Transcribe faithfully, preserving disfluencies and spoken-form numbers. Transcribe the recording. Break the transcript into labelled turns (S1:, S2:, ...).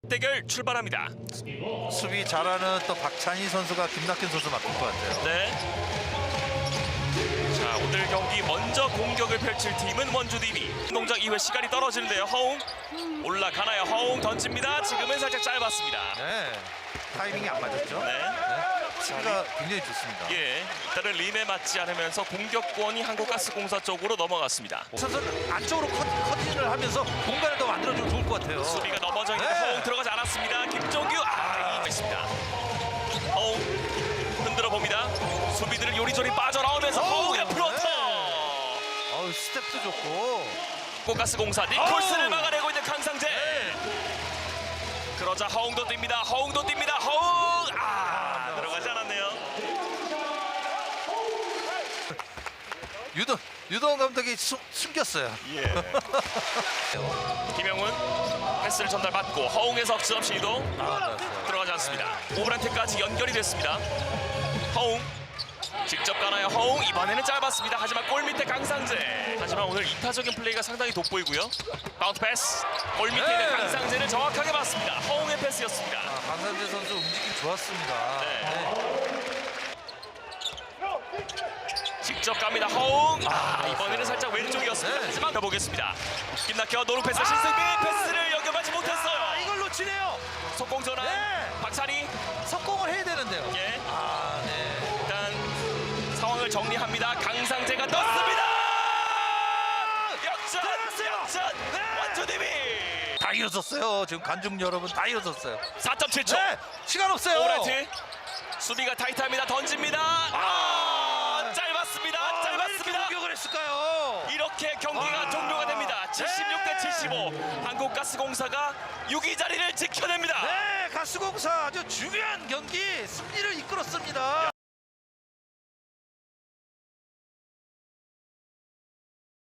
S1: 대결 출발합니다.
S2: 수비 잘하는 또 박찬희 선수가 김낙현 선수 맡을 것 같아요.
S1: 네. 자, 오늘 경기 먼저 공격을 펼칠 팀은 원주디비. 농장 이회 시간이 떨어지는데요. 허웅 올라가나요? 허웅 던집니다. 지금은 살짝 짧았습니다.
S2: 네. 타이밍이 안 맞았죠?
S1: 네.
S2: 네. 수비가 굉장히 좋습니다.
S1: 예, 일단은 림에 맞지 않으면서 공격권이 한국가스공사 쪽으로 넘어갔습니다.
S2: 선수는 안쪽으로 커, 커팅을 하면서 공간을 더 만들어주면 좋을 것 같아요.
S1: 수비가 넘어져 있는데
S2: 네.
S1: 허웅 들어가지 않았습니다. 김종규 아, 있습니다. 허웅 흔들어 봅니다. 수비들을 요리조리 빠져나오면서 허웅의 플로터.
S2: 네. 어우, 스텝도 좋고.
S1: 한국가스공사 니콜슨을
S2: 어우.
S1: 막아내고 있는 강상재.
S2: 네.
S1: 그러자 허웅도 뜁니다. 허웅도 뜁니다. 허웅 아, 들어가지 않았네요.
S2: 유동 유동 감독이 수, 숨겼어요.
S1: 예. 김영훈 패스를 전달받고 허웅의 석점 시도
S2: 아, 맞았어요.
S1: 들어가지 않습니다. 오브란테까지 연결이 됐습니다. 허웅 직접 가나요? 허웅 이번에는 짧았습니다. 하지만 골 밑에 강상재. 하지만 오늘 이타적인 플레이가 상당히 돋보이고요. 바운드 패스 골 밑에
S2: 네.
S1: 있는 강상재를 정확하게 봤습니다. 허웅의 패스였습니다.
S2: 아, 강상재 선수 움직임 좋았습니다.
S1: 네.
S2: 네.
S1: 직접 갑니다. 허웅 아, 이번에는 살짝 왼쪽이었습니다.
S2: 네.
S1: 하지만 가보겠습니다. 김낙현 노루 패스 신승민 패스를 연결하지 못했어요.
S2: 아, 이걸 놓치네요.
S1: 속공 전환
S2: 네.
S1: 박찬희.
S2: 석공을 해야 되는데요.
S1: 예.
S2: 아, 네.
S1: 일단 상황을 정리합니다. 강상재가 떴습니다. 역전!
S2: 들어갔어요.
S1: 역전!
S2: 네.
S1: 원주디비!
S2: 다 일어섰어요. 지금 관중 여러분 다 일어섰어요.
S1: 사 점 칠 초.
S2: 네, 시간 없어요.
S1: 오브라이트 수비가 타이트합니다. 던집니다. 아, 짧았습니다.
S2: 아, 왜 이렇게
S1: 짧았습니다.
S2: 공격을 했을까요?
S1: 이렇게 경기가
S2: 아.
S1: 종료가 됩니다. 칠십육 대 칠십오. 한국가스공사가 육 위 자리를 지켜냅니다.
S2: 네, 가스공사 아주 중요한 경기 승리를 이끌었습니다.